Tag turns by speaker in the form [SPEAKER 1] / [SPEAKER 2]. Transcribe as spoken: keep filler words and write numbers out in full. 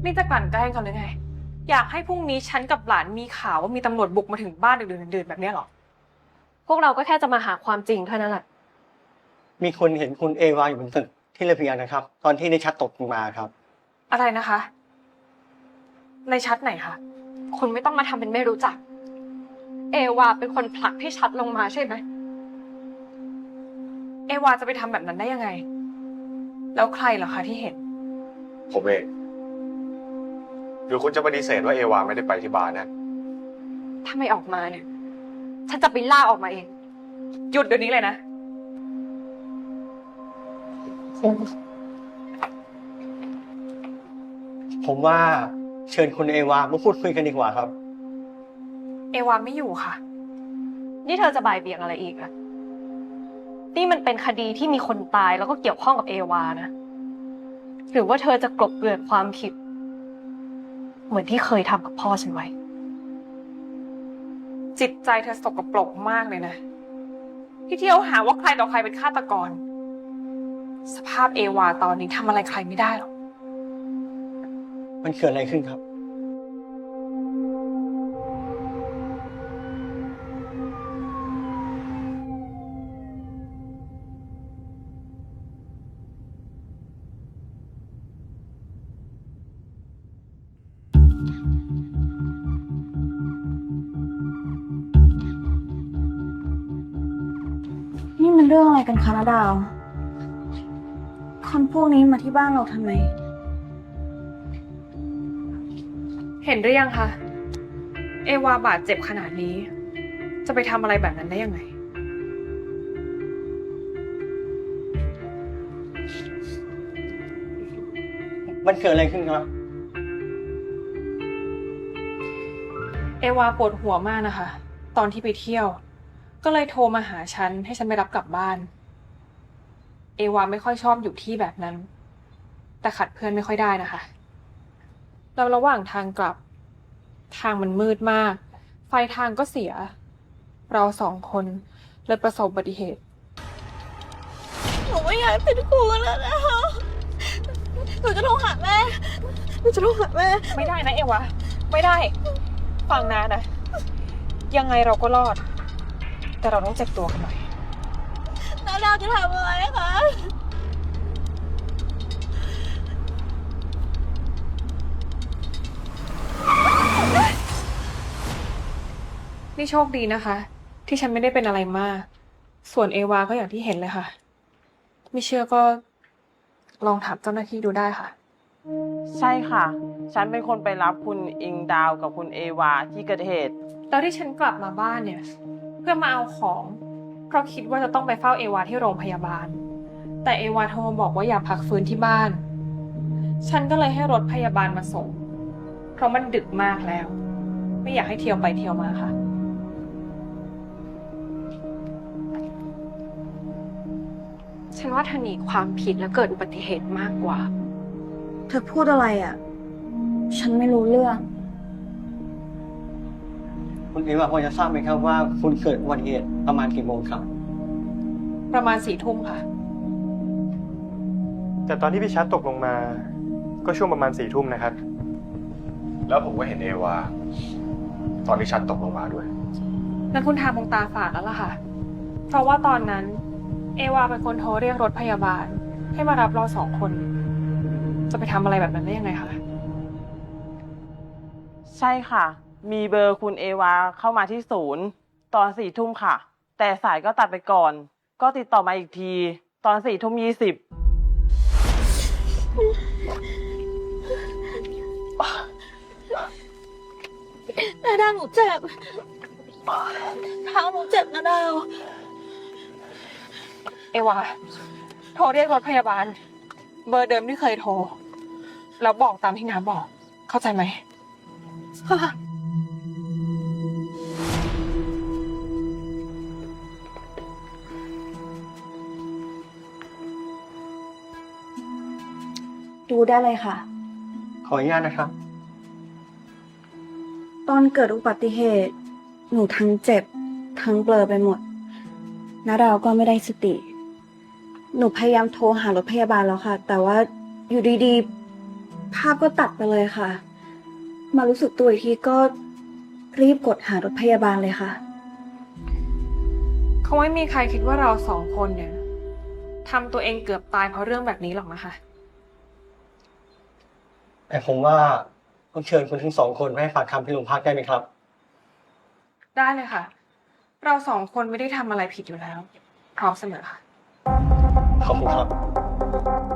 [SPEAKER 1] นี่จะกลั่นแกล้งกันหรือไงอยากให้พรุ่งนี้ฉันกับหลานมีข่าวว่ามีตำรวจบุกมาถึงบ้านดึกๆดื่นๆแบบนี้หรอพวกเราก็แค่จะมาหาความจริงเท่านั้นแหละ
[SPEAKER 2] มีคนเห็นคุณเอวาอยู่บนตึกที่ระเบียงนะครับ ตอนที่ในชัดตกลงมาครับ
[SPEAKER 1] อะไรนะคะ ในชัดไหนคะคุณไม่ต้องมาทำเป็นไม่รู้จักเอวาเป็นคนผลักให้ชัดลงมาใช่ไหมเอวาจะไปทำแบบนั้นได้ยังไงแล้วใครเหรอคะที่เห็น
[SPEAKER 3] ผมเองหรือคุณจะปฏิเสธว่าเอวาไม่ได้ไปที่บ้านนะ
[SPEAKER 1] ถ้าไม่ออกมาเนี่ยฉันจะไปล่าออกมาเองหยุดเดี๋ยวนี้เลยนะ
[SPEAKER 2] ผมว่าเชิญคุณเอวามาพูดคุยกันดีกว่าครับ
[SPEAKER 1] เอวาไม่อยู่ค่ะนี่เธอจะบ่ายเบี่ยงอะไรอีกอะนี่มันเป็นคดีที่มีคนตายแล้วก็เกี่ยวข้องกับเอวานะหรือว่าเธอจะกลบเกลื่อนความผิดเหมือนที่เคยทำกับพ่อฉันไว้จิตใจเธอสกปรกมากเลยนะที่เที่ยวหาว่าใครต่อใครเป็นฆาตกรสภาพเอวาตอนนี้ทำอะไรใครไม่ได้หรอก
[SPEAKER 2] มันเกิดอะไรขึ้นครับ
[SPEAKER 4] นี่มันเรื่องอะไรกันคะนาดาวคนพวกนี้มาที่บ้านเราทำไม
[SPEAKER 1] เห็นหรือยังคะเอวาบาดเจ็บขนาดนี้จะไปทำอะไรแบบนั้นได้ยังไง
[SPEAKER 2] มันเกิดอะไรขึ้นครับ
[SPEAKER 1] เอวาปวดหัวมากนะคะตอนที่ไปเที่ยวก็เลยโทรมาหาฉันให้ฉันไปรับกลับบ้านเอวาไม่ค่อยชอบอยู่ที่แบบนั้นแต่ขัดเพื่อนไม่ค่อยได้นะคะแล้วระหว่างทางกลับทางมันมืดมากไฟทางก็เสียเราสองคนเลยประสบอุบัติเหตุ
[SPEAKER 4] หนูไม่อยากเป็นครูแล้วนะคะหนูจะโทรหาแม่หนูจะโทรหาแม่
[SPEAKER 1] ไม่ได้นะเอวาไม่ได้ฟังนะนะยังไงเราก็รอดแต่เราต้องเจ็บตัวกันหน่อย
[SPEAKER 4] นาดาวจะทำอะไรคะ
[SPEAKER 1] นี่โชคดีนะคะที่ฉันไม่ได้เป็นอะไรมากส่วนเอวาก็อย่างที่เห็นเลยค่ะไม่เชื่อก็ลองถามเจ้าหน้าที่ดูได้ค่ะ
[SPEAKER 5] ใช่ค่ะ ฉันเป็นคนไปรับคุณอิงดาวกับคุณเอวาที่เกิดเหตุ
[SPEAKER 1] แล้วที่ฉันกลับมาบ้านเนี่ยเพื่อมาเอาของเพราะคิดว่าจะต้องไปเฝ้าเอวาที่โรงพยาบาลแต่เอวาโทรมาบอกว่าอยากพักฟื้นที่บ้านฉันก็เลยให้รถพยาบาลมาส่งเพราะมันดึกมากแล้วไม่อยากให้เที่ยวไปเที่ยวมาค่ะฉันว่าเธอหนีความผิดและเกิดอุบัติเหตุมากกว่า
[SPEAKER 4] เธอพูดอะไรอ่ะฉันไม่รู้เรื่อง
[SPEAKER 2] คุณเอวาพอจะทราบไหมครับว่าคุณเกิดอุบัติเหตุประมาณกี่โมงครับ
[SPEAKER 1] ประมาณสี่ทุ่มค่ะ
[SPEAKER 6] แต่ตอนที่พี่ชัดตกลงมาก็ช่วงประมาณสี่ทุ่มนะครับ
[SPEAKER 3] แล้วผมก็เห็นเอวาตอนที่ชัดตกลงมาด้วย
[SPEAKER 1] นั่นคุณทาคงตาฝาดแล้วล่ะค่ะเพราะว่าตอนนั้นเอวาเป็นคนโทรเรียกรถพยาบาลให้มารับเราสองคนจะไปทำอะไรแบบนั้นได้ยังไงคะ
[SPEAKER 5] ใช่ค่ะ มีเบอร์คุณเอวาเข้ามาที่ศูนย์ตอนสี่ทุ่มค่ะ แต่สายก็ตัดไปก่อนก็ติดต่อมาอีกทีตอนสี่ทุ่มยี่สิบ
[SPEAKER 4] นาดาวหนูเจ็บเท้าหนูเจ็บนาดาว
[SPEAKER 1] เอวาโทรเรียกรถพยาบาลเบอร์เดิมที่เคยโทรแล้วบอกตามที่น้าบอกเข้าใจไหมค่ะ
[SPEAKER 4] ดูได้เลยค่ะ
[SPEAKER 2] ขออนุญาตนะครับ
[SPEAKER 4] ตอนเกิดอุบัติเหตุหนูทั้งเจ็บทั้งเบลอไปหมดนาดาวก็ไม่ได้สติหนูพยายามโทรหารถพยาบาลแล้วค่ะแต่ว่าอยู่ดีๆภาพก็ตัดไปเลยค่ะ มารู้สึกตัวอีกทีก็รีบกดหารถพยาบาลเลยค่ะ
[SPEAKER 1] คงไม่มีใครคิดว่าเราสองคนเนี่ยทำตัวเองเกือบตายเพราะเรื่องแบบนี้หรอกนะคะ
[SPEAKER 2] แต่ผมว่าต้องเชิญคุณทั้งสองคนมาให้ปากคำที่โรงพักได้ไหมครับ
[SPEAKER 1] ได้เลยค่ะ เราสองคนไม่ได้ทำอะไรผิดอยู่แล้ว พร้อมเสมอค่ะ
[SPEAKER 2] ขอบคุณครับ